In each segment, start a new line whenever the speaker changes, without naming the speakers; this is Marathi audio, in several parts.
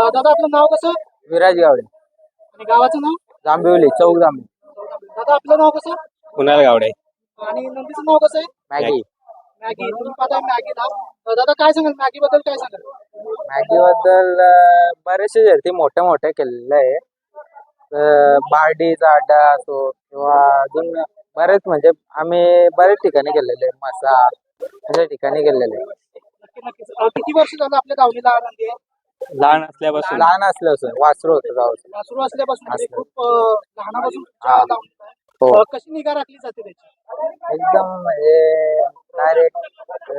दादा आपलं नाव कसं
विराज गावडे
आणि गावाचं नाव?
जांभिवली चौक जांभिवली
दादा आपलं नाव कसं
कुणाल गावडे.
आणि नंदीचं नाव कसं आहे?
Maggie
Maggie. तुम्ही पाहताय मॅगी नाव. दादा काय सांगाल मॅगी बद्दल काय सांगाल?
मॅगी बद्दल बरेचसे शर्ती मोठ्या मोठ्या केलेल्या आहे. बार्डीचा अड्डा असो किंवा अजून बरेच म्हणजे आम्ही बरेच ठिकाणी गेलेले मसा अशा ठिकाणी गेलेले.
नक्की नक्कीच. किती वर्ष झालं आपल्या दावणीला नंदी आहे?
लहान असल्यापासून
लहान असल्यापासून वासरू होतं गावचं.
वासरू असल्यापासून म्हणजे खूप लहानापासून
हा.
दावणीला आहे.
हो.
कशी निगा राखली जाते त्याची?
एकदम म्हणजे डायरेक्ट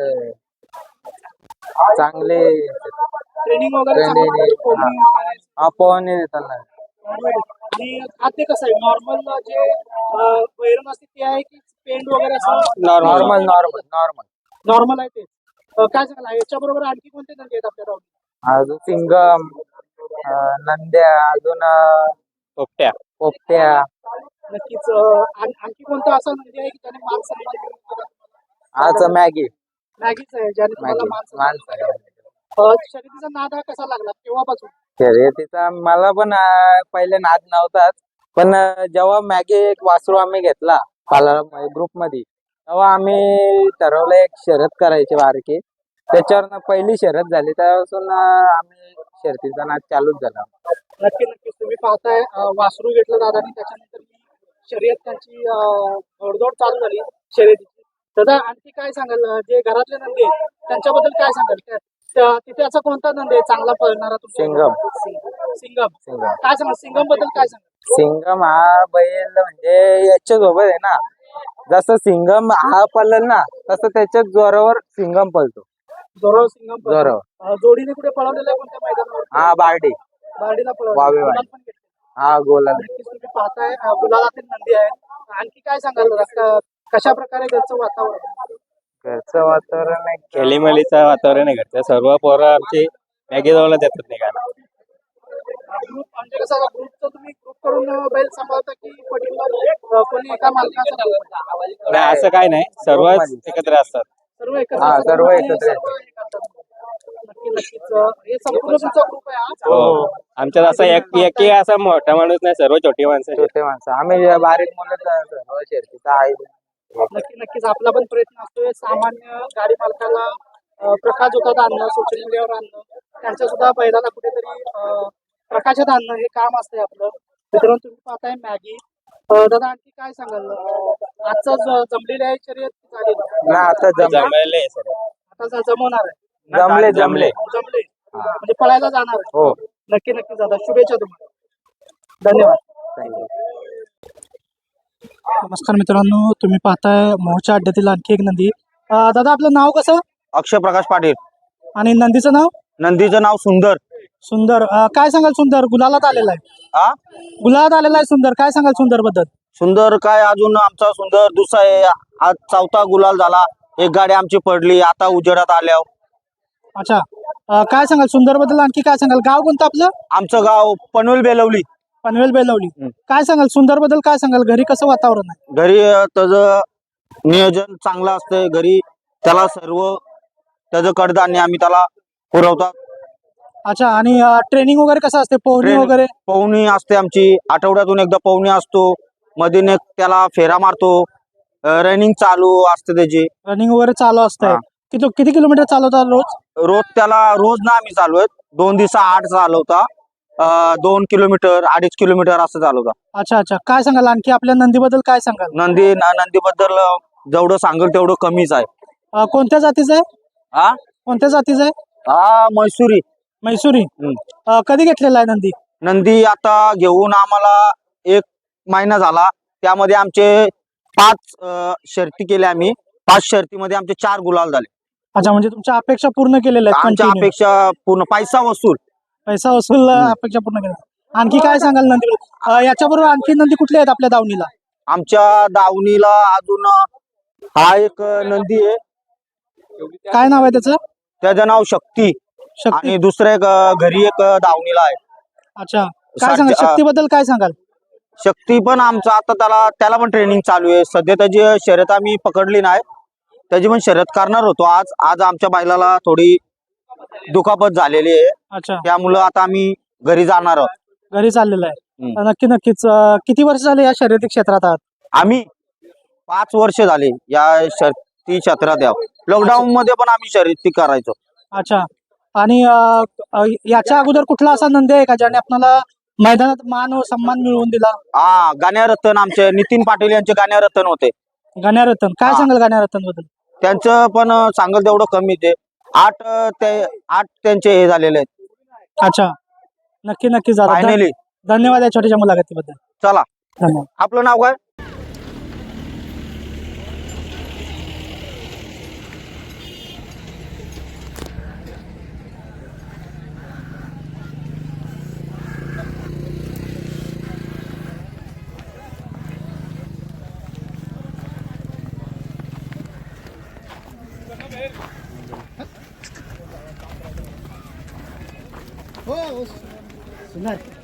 चांगले
ट्रेनिंग वगैरे
Training,
चांगलं आहे, कोणी वगैरे.
पोहणे देताना
आणि खाद्य कसं आहे? नॉर्मल जे वैरण असते ते आहे की पेंड वगैरे असं?
Normal normal normal.
नॉर्मल आहे ते. काय सांगाल याच्या बरोबर आणखी कोणते नंदी आहेत आपल्या दावणीत?
अजून सिंगम नंद्या अजून
पोपट्या.
पोपट्या.
नक्कीच. आणखी कोणता असा नंदी आहे की त्याने मान सन्मान दिला?
आज मॅगी
मॅगीच आहे ज्याने तुम्हाला
मॅगी
मान सन्मान दिला. शर्यतीचा नाद हा कसा लागला केव्हापासून?
शर्यतीचा मला पण पहिले नाद नव्हताच, पण जेव्हा मॅगी एक वासरू आम्ही घेतला ग्रुप मध्ये तेव्हा आम्ही ठरवलं एक शर्यत करायची बारकी. त्याच्यावर पहिली शर्यत झाली त्यापासून आम्ही शर्यतीचा नाद चालूच झाला.
नक्की नक्कीच. तुम्ही पाहताय वासरू घेतलं दादानी त्याच्यानंतर शर्यत त्यांची घोडदौड चालू झाली शर्यतीची. दादा आणखी काय सांगाल जे घरातले नंदी आहेत त्यांच्याबद्दल काय सांगाल? तिथे असा कोणता नंदी आहे चांगला पळणारा तुमच्या?
सिंगम.
सिंगम.
सिंगम
काय सांगाल सिंगम बद्दल काय सांगाल?
सिंगम हा बैल म्हणजे याच्या सोबत आहे ना, जसं सिंगम हा पळल ना तसं त्याच्याच जोरावर सिंगम पळतो.
जोरावर सिंगम पळतो.
जोरावर.
जोडीने कुठे पळवलेलं आहे कोणत्या मैदानावर?
हा बार्डी.
बार्डीला
वावे
पळवलं.
वावे.
गुलाल पण घेतले.
हा गोला.
नक्कीच तुम्ही पाहताय गुलालातील नंदी आहे. आणखी काय सांगाल कशा प्रकारे घरचं वातावरण?
घरचं वातावरण आहे.
खेलीमेलीचं वातावरण आहे घरचं. सर्व पोरं आमची मॅगी जवळ देतात निघायला.
ग्रुप म्हणजे कसं ग्रुपचं तुम्ही ग्रुप करून बैल सांभाळता की पर्टिक्युलर कोणी एका मालकाचा group आहे?
नाही असं काय नाही, सर्वच एकत्र असतात.
सर्व एकत्र
हा,
असतात
सर्व
आणि
एकत्र
सर्व हे करतात. नक्की नक्कीच. हे संपूर्ण तुमचा ग्रुप आहे हा?
हो. आमच्यात असा एक असा मोठा माणूस नाही, सर्व छोटी माणसं आहेत.
छोटे माणसं आम्ही बारीक मुलं सर्व शर्यतीचा आहे.
नक्की नक्कीच. आपला पण प्रयत्न असतोय सामान्य गाडी मालकाला प्रकाशझोतात आणणं, सोशल मीडियावर आणणं, त्यांच्या सुद्धा बैलाला कुठेतरी प्रकाशात आणणं हे काम असतंय आपलं. मित्रांनो तुम्ही पाहताय मॅगी. दादा आणखी काय सांगाल? आजचं जमलेली आहे शर्यत झाली
ना आता
जमलेले आहे सर्व.
आता जमवणार आहे?
जमले जमले.
जमले म्हणजे पळायला जाणार आहे?
हो.
नक्की नक्की दादा शुभेच्छा तुम्हाला. धन्यवाद. नमस्कार मित्रांनो तुम्ही पाहताय मोहच्या अड्ड्यातील आणखी एक नंदी. दादा आपलं नाव कसं
अक्षय प्रकाश पाटील.
आणि नंदीचं नाव?
नंदीचं नाव सुंदर.
सुंदर. काय सांगाल सुंदर? गुलालात आलेला आहे.
हा
गुलालात आलेला आहे सुंदर. काय सांगाल सुंदर बद्दल?
सुंदर काय अजून आमचा सुंदर दुसरा आहे. आज चौथा गुलाल झाला. एक गाडी आमची पडली आता उजेडात आल्यावर.
अच्छा. काय सांगाल सुंदर बद्दल? आणखी काय सांगाल? गाव कोणतं आपलं?
आमचं गाव पनवेल बेलवली.
पनवेल बेलवली. काय सांगाल सुंदर बद्दल? काय सांगाल घरी कसं वातावरण आहे?
घरी त्याचं नियोजन चांगलं असतंय. घरी त्याला सर्व त्याचं कडधान्य आम्ही त्याला पुरवतात.
अच्छा. आणि ट्रेनिंग वगैरे कसं असते? पोहणी वगैरे?
पवनी असते आमची. आठवड्यातून एकदा पवनी असतो. मधून एक त्याला फेरा मारतो. रनिंग चालू असते त्याची.
रनिंग वगैरे चालू असतंय.
हा.
किती किलोमीटर चालवतात रोज?
रोज त्याला रोज ना आम्ही चालवत 2 दिवसा 8 चालवता. 2 किलोमीटर 2.5 किलोमीटर असं चालवता.
अच्छा अच्छा. काय सांगाल आणखी आपल्या नंदीबद्दल? काय सांगाल?
नंदीबद्दल जेवढं सांगेल तेवढं कमीच आहे.
कोणत्या जातीचं आहे?
हा
कोणत्या जातीचं आहे?
हा मैसुरी.
मैसुरी. कधी घेतलेला आहे नंदी?
नंदी आता घेऊन आम्हाला 1 महिना झाला. त्यामध्ये आमचे 5 शर्ती केल्या आम्ही. 5 शर्तीमध्ये आमचे 4 गुलाल झाले.
अच्छा. म्हणजे तुमच्या अपेक्षा पूर्ण केलेल्या आहेत?
आमच्या
continue.
अपेक्षा पूर्ण पैसा वसूल.
अपेक्षा पूर्ण केल्या. आणखी काय सांगाल नंदी? याच्याबरोबर आणखी नंदी कुठले आहेत आपल्या दावणीला?
आमच्या दावणीला अजून हा एक नंदी आहे.
काय नाव आहे त्याचं?
त्याचं नाव शक्ती.
शक्ती.
आणि दुसरं एक घरी एक दावणीला आहे.
अच्छा. काय सांगाल शक्तीबद्दल? काय सांगाल?
शक्ती पण आमचा आता त्याला पण ट्रेनिंग चालू आहे. सध्या त्याची शर्यत आम्ही पकडली नाही. त्याची पण शर्यत करणार होतो आज आमच्या बैलाला थोडी दुखापत झालेली आहे.
अच्छा,
त्यामुळं आता आम्ही घरी जाणार आहोत.
घरी चाललेलं आहे.
हम्म.
नक्कीच किती वर्ष झाले या शर्यती क्षेत्रात आहात?
आम्ही 5 वर्ष झाले या शर्यती क्षेत्रात यावं. लॉकडाऊन मध्ये पण आम्ही शर्यती करायचो.
अच्छा, आणि याच्या अगोदर कुठला असा नंदी आहे का ज्याने आपल्याला मैदानात मान व सन्मान मिळवून दिला?
हा, गाण्यारत्न आमचे नितीन पाटील यांचे गाण्यारत्न होते.
गाण्यारत्न, काय
हा.
सांगाल गाण्यारत्न बद्दल?
त्यांचं पण सांगल तेवढं कमी ते 8 त्यांचे हे झालेले आहेत
अच्छा, नक्कीच दादा.
फायनली.
धन्यवाद या छोट्याशा मुलाखतीबद्दल.
चला,
धन्यवाद.
आपलं नाव काय?
सुंदर.